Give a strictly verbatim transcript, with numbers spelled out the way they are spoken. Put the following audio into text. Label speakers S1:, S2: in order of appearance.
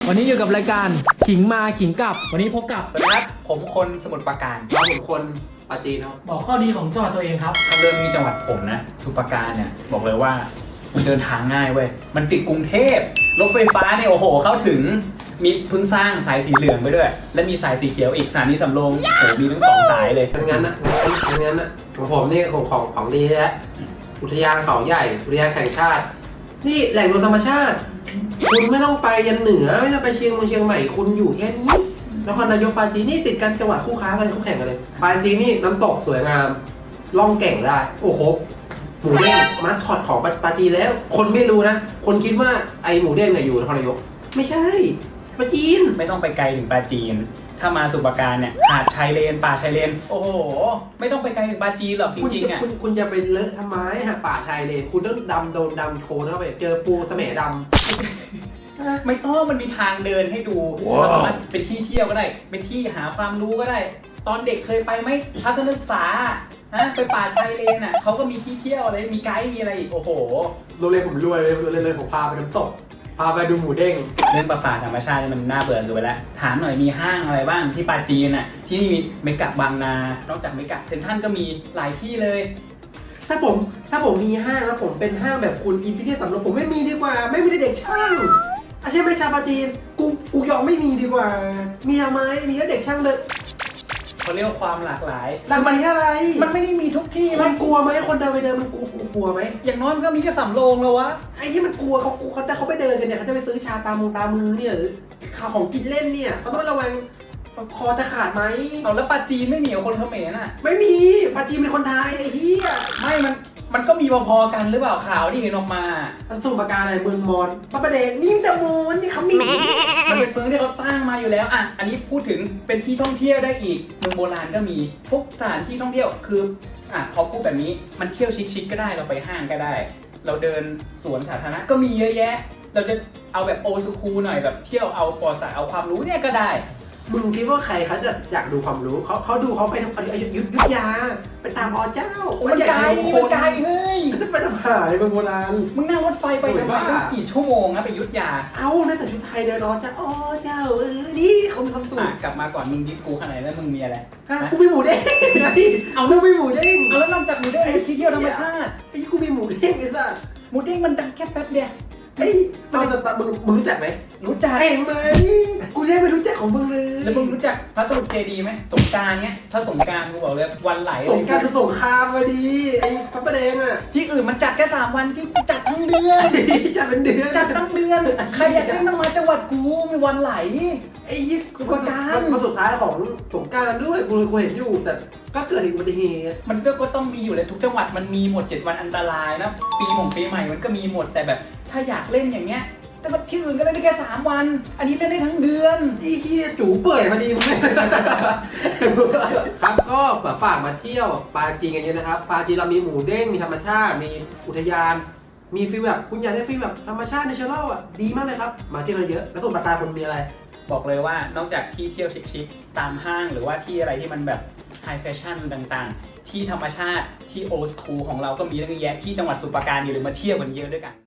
S1: วันนี้อยู่กับรายการขิงมาขิงกลับวันนี้พบกับ
S2: สวัสดีครับผมคนสมุทรปราการ
S3: เราผมคนปราจีนครับ
S1: บอกข้อดีของจังหวัดตัวเองครับ
S2: ทางเดินมีจังหวัดผมนะสมุทรปราการเนี่ยบอกเลยว่ามันเดินทางง่ายเว้ยมันติดกรุงเทพรถไฟฟ้าเนี่ยโอ้โหเข้าถึงมีเพิ่งสร้างสายสีเหลืองไปด้วยและมีสายสีเขียวอีกสถานีสำโรงโอ้โหมีทั้งสองสายเลย
S3: งั้นนะงั้นนะของผมนี่ของของของดีแล้วอุทยานเขาใหญ่อุทยานแห่งชาตินี่แหล่งรวมธรรมชาติคุณไม่ต้องไปยันเหนือไม่ต้องไปเชียงเมืองเชียงใหม่คุณอยู่แค่นี้นครนายกปราจีนนี่ติดกันจังหวัดคู่ค้ากันคู่แข่งกันเลยปราจีนนี่น้ำตกสวยงามล่องแก่งได้โอ้โหหมูเด้งมาสคอตของปราจีนแล้ว คนไม่รู้นะคนคิดว่าไอหมูเด้งเนี่ยอยู่นครนายกไม่ใช่ปราจีน
S2: ไม่ต้องไปไกลถึงปราจีนถ้ามาสมุทรปราการเนี่ยหาดชายเลนป่าชายเลนโอ้โหไม่ต้องไปไกลถึงปราจีนหรอกจริงๆอ่ะ
S3: คุณคุณจะไปเลอะทำไมฮะป่าชายเลนคุณต้องดำโดนดำโคลนเข้าไปเจอปูเสมดำ
S2: ไม่ต้องมันมีทางเดินให้ดูเราสามารถเป็นที่เที่ยวก็ได้เป็นที่หาความรู้ก็ได้ ตอนเด็กเคยไปไหมทัศนศึกษาฮะไปป่าชายเลนอ่ะเขาก็มีที่เที่ยวอะไรมีไกด์มีอะไรอีกโอ้โห
S3: โรงเรียนผมรวยเลยโรงเรียนเลยผมพาไปน้ำตกพาไปดูหมูเด้ง
S2: เรื่องป่าป่าธรรมชาตินี่มันน่าเบื่อเกินไปแล้วถามหน่อยมีห้างอะไรบ้างที่ปาจีนอ่ะที่นี่มีเมกะบางนานอกจากเมกะเซ็นทรัลก็มีหลายที่เลย
S3: ถ้าผมถ้าผมมีห้างแล้วผมเป็นห้างแบบคุณอินพิเทียสำหรับผมไม่มีดีกว่า ไม่มีเด็กช่างอาชีพไม่ชาวปาจีนกูกูยอมไม่มีดีกว่า มีทำไมมีแล้วเด็กช่างเลย
S2: เขาเรียกว่าความหลากหลาย
S3: หลังมันอะไร
S2: มันไม่ได้มีทุกที่
S3: มั
S2: มัน
S3: นกลัวไหมคนเดินไปเดินมันกลัวกลัวไหม
S2: อย่างน้อยมันก็มีแค่สำโรงแล้ววะ
S3: ไอ้ที่มันกลัวเขาเขาเขาไปเดินกันเนี่ยเขาจะไปซื้อชาตามงตามือเนี่ยหรือข่าวของกินเล่นเนี่ยเขาต้องระวังคอจะขาดไหม
S2: เอาแล้วปาจีนไม่มีกับคนเขมรน่ะ
S3: ไม่มีปาจีนเป็นคนไทยไอ้เหี้ย
S2: ไม่มันมันก็มีพอๆกันหรือเปล่าข่าวที่เห็นออกมา
S3: มันสูบปากกาอะไรเมืองมอนพระประเดชนี่แต่มูนนี่เขามี
S2: มันเป็นเมืองที่เขาสร้างมาอยู่แล้วอ่ะอันนี้พูดถึงเป็นที่ท่องเที่ยวได้อีกเมืองโบราณก็มีพวกสถานที่ท่องเที่ยวคืออ่ะพอพูดแบบนี้มันเที่ยวชิคๆก็ได้เราไปห้างก็ได้ เราเดินสวนสาธารณะก็มีเยอะแยะ เราจะเอาแบบโอสคูลหน่อยแบบเที่ยวเอาปอสาเอาความรู้เนี่ยก็ได้
S3: มึงคิดว่าใครเขาจะอยากดูความรู้เขาเขาดูเขาไปทำอยุธยุทธยาไปตามอเจ้า
S2: มันไกลมันไกลเฮ้ย
S3: จะไปทำหายเมืองโบราณ
S2: มึงนั่งรถไฟไปทำไมต้องกี่ชั่วโมงนะไปอยุทธยา
S3: เอ้าในแต่ชุดไทยเดินอเจ้าอเจ้าเออนี่เขามีความสุข
S2: อ่ะกลับมาก่อนมึงดิฟกูขนาดไหนแล้วมึงมีอะไร
S3: ฮะกูมีหมูเด้งไอ้เอากูมีหมูเด้ง
S2: เอาแล้วนอกจากหมูเด้งที่เที่ยวธรรมชาติ
S3: ไอ้กูมีหมูเด้งไอ้สัส
S2: หมูเด้งมันดังแค่แป๊บเดียว
S3: ไอ้ตอนตอนมึงมึงรู้จักไหม
S2: รู้จัก
S3: เห็นไหมกูยังไม่รู้จักของมึงเลย
S2: แล้วมึงรู้จักพระตรุษเจดีย์ไหมสงกรานต์เนี้ยถ้าสงกรานต์กูบอกเลยวันไหล
S3: สงการจะสงครามมาดีไอ้พระประเดงอ่ะ
S2: ที่อื่นมันจัดแค่สามวันที่กูจัดทั้งเดือน
S3: จัดเป็นเดือน
S2: จัดทั้งเดือนใครอยากเล่นต้องมาจังหวัดกูมีวันไหล
S3: ไอ้ยี่
S2: คือประการ
S3: มาสุดท้ายของสงการด้วยกูกูเห็นอยู่แต่ก็เกิดอุบัติเหตุ
S2: มันก็ก็ต้องมีอยู่เลยทุกจังหวัดมันมีหมดเจ็ดวันอันตรายนะปีหม่งปีใหม่มันก็มีหมดแต่แบบถ้าอยากเล่นอย่างเงี้ยแต่ว่าที่อื่นก็เล่นได้แค่สามวัน อันนี้เล่นได้ทั้งเดือน
S3: ไอ้ที่จูเปื่อยมาดีมึงครับก็ฝากมาเที่ยวปาจีนกันเยอะนะครับปาจีนเรามีหมูเด้งมีธรรมชาติมีอุทยานมีฟีลแบบคุณอยากได้ฟีลแบบธรรมชาติในเชลล์อ่ะดีมากเลยครับมาเที่ยวกันเยอะแล้วส่วนปากกาคนมีอะไร
S2: บอกเลยว่านอกจากที่เที่ยวชิคๆตามห้างหรือว่าที่อะไรที่มันแบบไฮแฟชั่นต่างๆ ที่ธรรมชาติที่โอสคูลของเราก็มีเยอะแยะที่จังหวัดสมุทรปราการอยู่หรือมาเที่ยวกันเยอะด้วยกัน